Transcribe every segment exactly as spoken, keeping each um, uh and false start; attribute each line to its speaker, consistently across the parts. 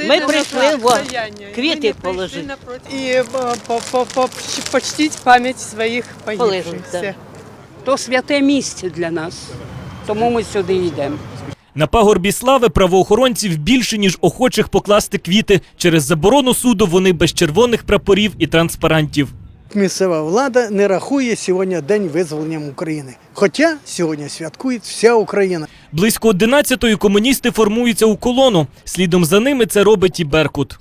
Speaker 1: Ми прийшли во, квіти положити.
Speaker 2: І почтити пам'ять своїх погибших.
Speaker 1: Положити.
Speaker 3: То святе місце для нас, тому ми сюди йдемо.
Speaker 4: На пагорбі Слави правоохоронців більше, ніж охочих покласти квіти. Через заборону суду вони без червоних прапорів і транспарантів.
Speaker 5: Місцева влада не рахує сьогодні День визволення України. Хоча сьогодні святкує вся Україна.
Speaker 4: Близько одинадцятої комуністи формуються у колону. Слідом за ними це робить і Беркут.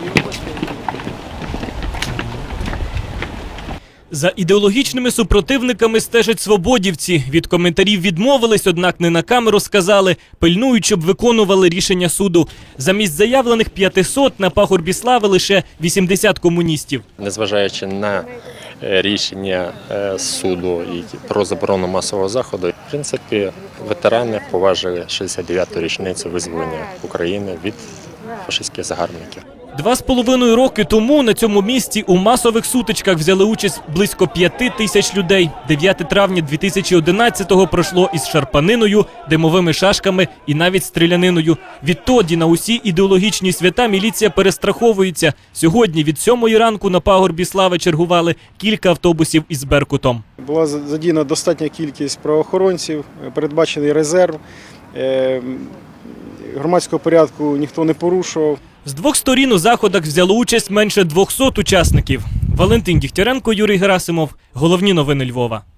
Speaker 4: За ідеологічними супротивниками стежать свободівці. Від коментарів відмовились, однак не на камеру сказали, пильнують, щоб виконували рішення суду. Замість заявлених п'ятисот на пагорбі Слави лише вісімдесят комуністів.
Speaker 6: Незважаючи на рішення суду і про заборону масового заходу, в принципі, ветерани поважили шістдесят дев'яту річницю визволення України від фашистських загарбників.
Speaker 4: Два з половиною роки тому на цьому місці у масових сутичках взяли участь близько п'яти тисяч людей. дев'яте травня дві тисячі одинадцятого пройшло із шарпаниною, димовими шашками і навіть стріляниною. Відтоді на усі ідеологічні свята міліція перестраховується. Сьогодні від сьомої ранку на пагорбі Слави чергували кілька автобусів із Беркутом.
Speaker 7: Була задіяна достатня кількість правоохоронців, передбачений резерв. Громадського порядку ніхто не порушував.
Speaker 4: З двох сторін у заходах взяло участь менше двохсот учасників. Валентин Дігтяренко, Юрій Герасимов. Головні новини Львова.